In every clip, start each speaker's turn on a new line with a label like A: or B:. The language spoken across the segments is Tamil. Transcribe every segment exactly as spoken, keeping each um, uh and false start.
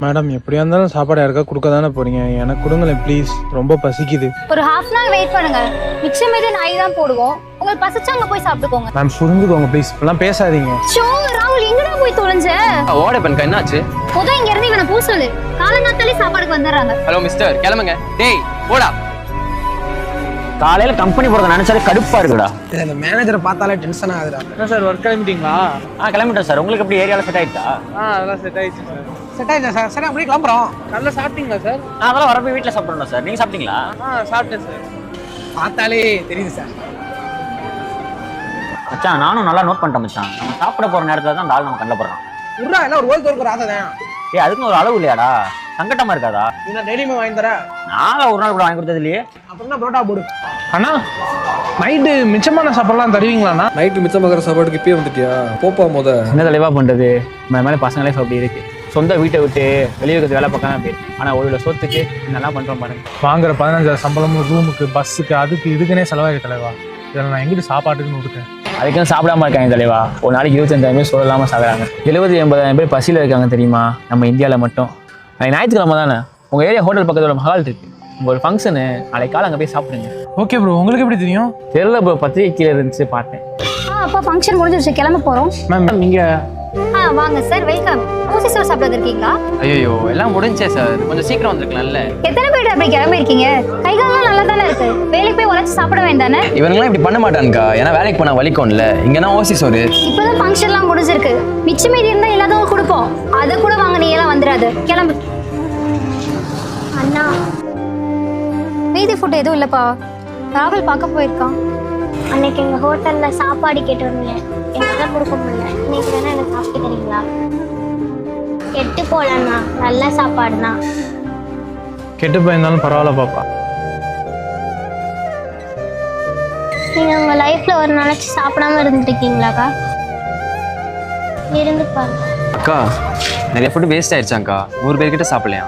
A: மேடம் எப்படியா இருந்தாலும் சாப்பாடு யாருக்கா கொடுக்க தானே போறீங்க, எனக்கு கொடுங்களேன் ப்ளீஸ், ரொம்ப பசிக்குது.
B: ஒரு ஹாஃப் அன் ஹவர் வெயிட் பண்ணுங்க, மிச்சம் மீது நாய் தான் போடுவோம், உங்களுக்கு பசிச்சா அங்க போய் சாப்பிட்டுக்கோங்க.
A: மேம் புரிஞ்சுக்கோங்க ப்ளீஸ், இப்பெல்லாம் பேசாதீங்க.
B: ஷோ ராகுல் எங்கடா போய் தொலைஞ்ச?
C: ஓட பெண்கா என்னாச்சு?
B: போதும் இங்க இருந்து இவனை பூ சொல்லு, காலங்காத்தாலே சாப்பாடுக்கு வந்துடுறாங்க.
C: ஹலோ மிஸ்டர் கிளம்புங்க. டேய் போடா.
D: காலையில கம்பெனி போறத நினைச்சாலே கடுப்பா இருக்குடா.
E: இந்த மேனேஜரை பார்த்தாலே டென்ஷன் ஆகுதுடா.
A: என்ன சார் ஒர்க் கிளம்பிட்டீங்களா?
D: ஆ கிளம்பிட்டேன் சார். உங்களுக்கு எப்படி ஏரியால செட் ஆயிட்டா?
A: ஆ அதெல்லாம் செட் ஆயிடுச்சு சார்.
E: செட் ஆயிடுச்சா சார்? சரி அப்படியே கிளம்புறோம்.
A: நல்லா சாப்பிட்டீங்களா சார்?
D: நான் அதெல்லாம் வரப்போ வீட்டில் சாப்பிடணும் சார். நீங்க சாப்பிட்டீங்களா?
A: ஆ சாப்பிட்டேன் சார்.
E: பார்த்தாலே தெரியுது சார்.
D: மச்சான் நானும் நல்லா நோட் பண்ணிட்டேன் மச்சான். நம்ம சாப்பிட போற நேரத்துல தான் அந்த ஆள் நம்ம கண்ணில் போடுறான்.
E: உட்ரா எல்லாம் ஒரு ஓல் தோற்கிற ஆசை தான்.
D: ஏ அதுக்குன்னு ஒரு அளவு இல்லையாடா? சங்கட்டமா இருக்காதா?
E: நீ நான் டெய்லியுமே வாங்கி தர.
D: நாங்க ஒரு நாள் கூட வாங்கி கொடுத்தது இல்லையே.
E: அப்புறம் தான் புரோட்டா போடு.
A: அண்ணா நைட்டு மிச்சமான சாப்பாடுலாம் தருவீங்களாண்ணா?
F: நைட்டு மிச்சமாகிற சாப்பாடுக்கு இப்பயே வந்துட்டியா? போப்பா முத.
D: என்ன தெளிவா பண்றது? இந்த மாதிரி பசங்க லைஃப் அப்படி இருக்கு. சொந்த வீட்டை விட்டு வெளியே இருக்கிறது வேலை பார்க்காம அப்படி. ஆனா ஒரு சொத்துக்கு என்னெல்லாம் பண்றோம் பாருங்க.
A: வாங்குற பதினஞ்சாயிரம் சம்பளமும் ரூமுக்கு பஸ்ஸுக்கு அதுக்கு இதுக்குன்னே செலவாகி தலைவா. இதில் நான் எங்கிட்டு சாப்பாட்டுக்குன்னு கொடுத்தேன்.
D: அதுக்குன்னு சாப்பிடாம இருக்காங்க தலைவா. ஒரு நாளைக்கு இருபத்தஞ்சாயிரம் பேர் சொல்லலாம சாகுறாங்க. எழுபது எண்பதாயிரம் பேர் பசியில் இருக்காங்க தெரியுமா நம்ம இந்தியாவில் மட்டும். நாளைக்கு ஞாயிற்றுக்கிழமை தானே உங்கள் ஏரியா ஹோட்டல் பக்கத்தில் ஒரு மஹால் இருக்கு. உங்கள் ஒரு ஃபங்க்ஷனு நாளைக்கு காலை அங்கே போய் சாப்பிடுங்க.
A: ஓகே ப்ரோ, உங்களுக்கு எப்படி தெரியும்?
D: தெரியல ப்ரோ, பத்திரிகை கீழே இருந்துச்சு பார்த்தேன்.
B: ஆ அப்பா ஃபங்க்ஷன் முடிஞ்சிருச்சு, கிளம்ப போறோம்.
A: மேம் நீங்கள்
B: ஆ வாங்க சார், வெல்கம். ஊசி சோறு சாப்பிட இருக்கீங்களா?
C: ஐயோ எல்லாம் முடிஞ்சே சார், கொஞ்சம் சீக்கிரம் வந்திருக்கலாம்ல.
B: எத்தனை பேர் அப்படி கிளம்பி இருக்கீங்க? கை காலெல்லாம் நல்லா தானே இருக்கு, வேலைக்கு போய் உழைச்சு சாப்பிட வேண்டானே?
C: இவங்கெல்லாம் இப்படி பண்ண மாட்டானுக்கா, ஏன்னா வேலைக்கு போனா வலிக்கும்ல. இங்கன்னா ஓசி சோறு.
B: இப்பதான் ஃபங்க்ஷன்லாம் முடிஞ்சிருக்கு, மிச்சம் மீதி இருந்தா எல்லாத்தையும் கொடுப்போம். அதை கூட வாங்க, நீ எல்லாம் வந்துடாது, கிளம்பு. அண்ணா மீதி ஃபுட் எதுவும் இல்லப்பா, ராகுல் பார்க்க போயிருக்கான்.
G: அன்னைக்கு எங்கள் ஹோட்டலில் சாப்பாடு கேட்டு வந்தேன், என்னால் கொடுக்க முடியல. இன்னைக்கு வேணா எனக்கு சாப்பிட்டு தரீங்களா? கெட்டு போகலண்ணா, நல்ல சாப்பாடு தான்.
A: கெட்டு போயிருந்தாலும் பரவாயில்ல பாப்பா.
G: நீங்கள் உங்கள் லைஃப்பில் ஒரு நாளைக்கு சாப்பிடாம இருந்துருக்கீங்களாக்கா? இருந்து பாருங்க
C: அக்கா, நிறைய ஃபுட்டு வேஸ்ட் ஆயிடுச்சாங்க்கா. நூறு பேர்கிட்ட சாப்பிடலையா?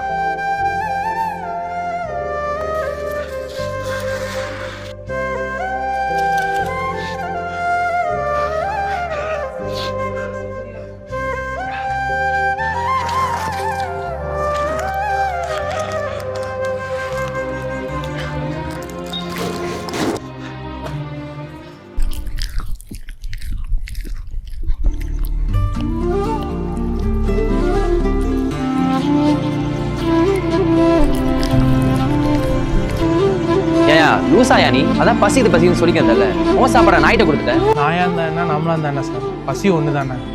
C: லூசாயா நீ? அதான் பசி இது பசின்னு சொல்லிக்கிறதில்ல. உன் சாப்பாடை நாயிட்ட கொடுத்துட்டேன்.
A: நாயா இருந்தா என்ன, நம்மளா இருந்தா என்ன சார், பசி ஒன்று தானே.